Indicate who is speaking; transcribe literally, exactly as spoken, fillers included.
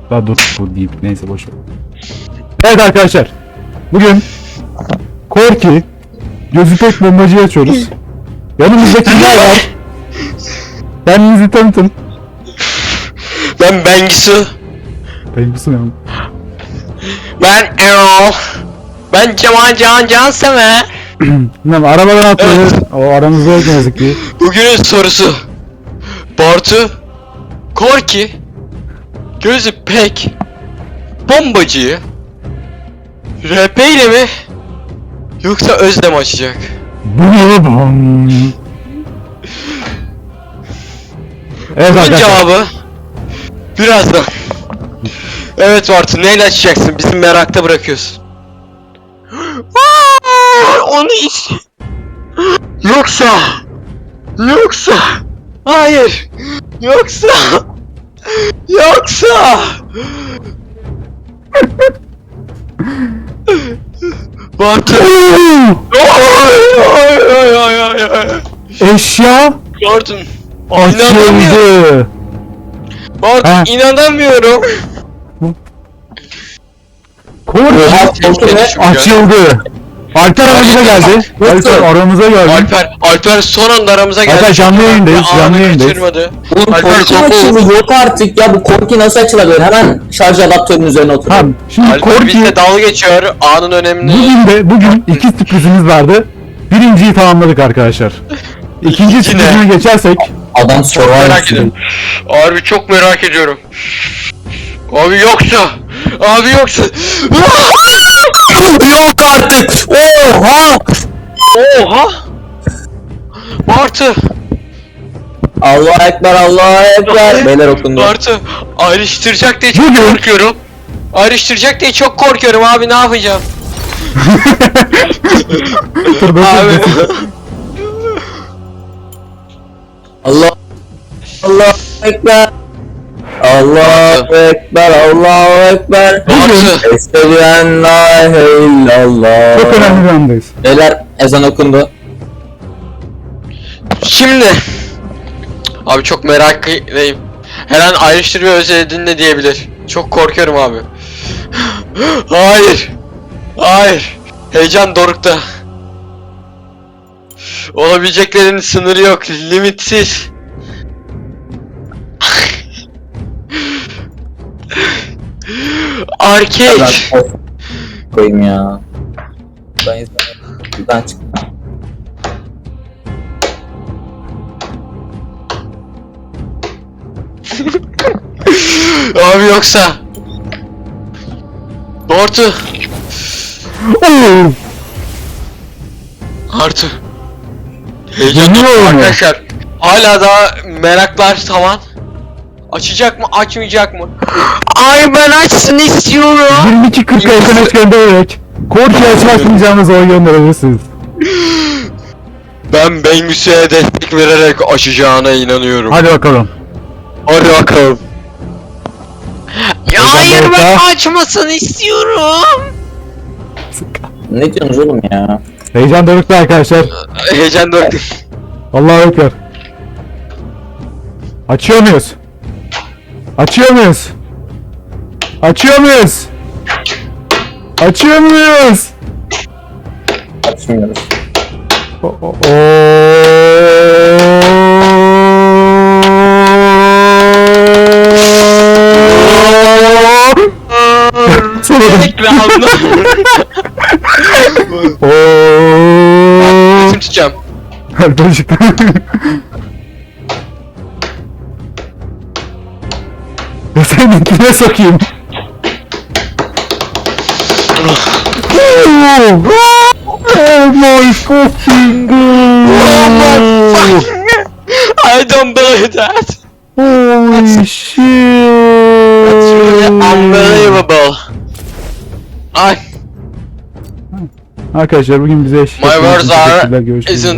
Speaker 1: Daha dur bu deyip neyse boş ver. Evet arkadaşlar. Bugün Korki gözü pek bombacıyı açıyoruz. Yanımızda kimler var? Kendinizi tanıtın.
Speaker 2: Ben Bengisu.
Speaker 1: Bengisu ne?
Speaker 2: Ben Erol. Ben Cemal Can Cansever.
Speaker 1: Bilmem arabadan atlıyoruz.
Speaker 2: Evet.
Speaker 1: O aramızda yok ne yazık ki.
Speaker 2: Bugünün sorusu. Bartu. Korki. Gözü pek. Bombacıyı. R P ile mi? Yoksa Özlem açacak.
Speaker 1: Bum. Evet
Speaker 2: Bunun
Speaker 1: arkadaşlar.
Speaker 2: cevabı birazdan. Evet Bartu, neyle açacaksın? Bizi merakta bırakıyorsun. Aa, onu iç. Yoksa Yoksa Hayır. Yoksa Yoksa Bartu. Oy oy oy oy oy oy.
Speaker 1: Eşya
Speaker 2: Bartu. İnanamıyorum.
Speaker 1: açıldı.
Speaker 2: Bartu,
Speaker 1: Ha.
Speaker 2: inanamıyorum.
Speaker 1: Korki açıldı. Alper aramıza geldi. Alper aramıza geldi.
Speaker 2: Alper, Alper son anda aramıza geldi.
Speaker 1: Alper canlı yayındayız,
Speaker 2: Anı
Speaker 1: canlı yayındayız.
Speaker 2: kaçırmadı.
Speaker 3: Oğlum
Speaker 2: Alper
Speaker 3: korku
Speaker 2: korku-
Speaker 3: açıldı yok artık ya, bu korki nasıl açılabilir? Hemen şarj adaptörünün üzerine otur.
Speaker 1: Tamam. Şimdi
Speaker 2: Alper
Speaker 1: Korki
Speaker 2: bizle dalga geçiyor anın önemini.
Speaker 1: bugün de bugün iki sürprizimiz vardı. Birinciyi tamamladık arkadaşlar. İkinci
Speaker 2: İkinci ne?
Speaker 1: sürprizine geçersek
Speaker 3: Adam
Speaker 2: Merak
Speaker 3: survivor.
Speaker 2: ediyorum. Abi çok merak ediyorum. Abi yoksa, abi yoksa.
Speaker 3: Yok artık. Oha.
Speaker 2: Oha. Bartu,
Speaker 3: Allahu ekber, Allahu ekber. Beyler okundu.
Speaker 2: Bartu ayrıştıracak diye çok
Speaker 1: Bugün-
Speaker 2: korkuyorum. Ayrıştıracak diye çok korkuyorum abi, ne yapacağım?
Speaker 1: dur dur
Speaker 2: Abi.
Speaker 1: dur.
Speaker 3: Allah Allahu ekber. Allahu ekber, Allahu ekber.
Speaker 2: Bartu,
Speaker 3: Eşhedü en la ilahe illallah.
Speaker 1: Çok önemli bir andayız.
Speaker 3: Beyler ezan okundu.
Speaker 2: şimdi. Abi çok meraklıyım. Her an ayrıştır ve özledin de diyebilir. Çok korkuyorum abi. Hayır. Hayır. Heyecan dorukta. Olabileceklerin sınırı yok. Limitsiz. Arcade.
Speaker 3: Ben of koyayım ya. Ben izlemedim. Buradan çık.
Speaker 2: Abi yoksa. Bartu.
Speaker 1: Oo!
Speaker 2: Artu. Heyecan
Speaker 1: Yanıyor mu?
Speaker 2: arkadaşlar. Hala daha meraklar tavan. Açacak mı, açmayacak mı? Ay ben açsın istiyorum.
Speaker 1: yirmi iki kırk S M S göndererek Korki'ye açmayacağınız oy gönderebilirsiniz.
Speaker 2: Ben Bengüsü'ye destek vererek açacağına inanıyorum.
Speaker 1: Hadi bakalım.
Speaker 2: Hadi bakalım. Ya
Speaker 1: Heyecan
Speaker 2: hayır
Speaker 1: dorukta.
Speaker 2: ben açmasını istiyorum.
Speaker 3: Ne diyorsunuz oğlum ya?
Speaker 1: Heyecan dorukta arkadaşlar.
Speaker 2: Heyecan dorukta.
Speaker 1: Allahu Ekber. Açıyor muyuz? Açıyor muyuz? Açıyor muyuz? Açıyor muyuz?
Speaker 3: Açmıyoruz.
Speaker 1: O- o- o- Sonra-
Speaker 2: Ekranımda.
Speaker 1: Oo.
Speaker 2: Resim tutacağım.
Speaker 1: Alper çıktı. Ya senin içine sokayım. Oh, oh my fucking god.
Speaker 2: I don't believe that.
Speaker 1: Holy shit.
Speaker 2: It's really unbelievable. Ay.
Speaker 1: Arkadaşlar bugün bize eşlik
Speaker 2: My
Speaker 1: ettiğiniz için
Speaker 2: words are
Speaker 1: teşekkürler. Görüşmek üzere.
Speaker 2: isn't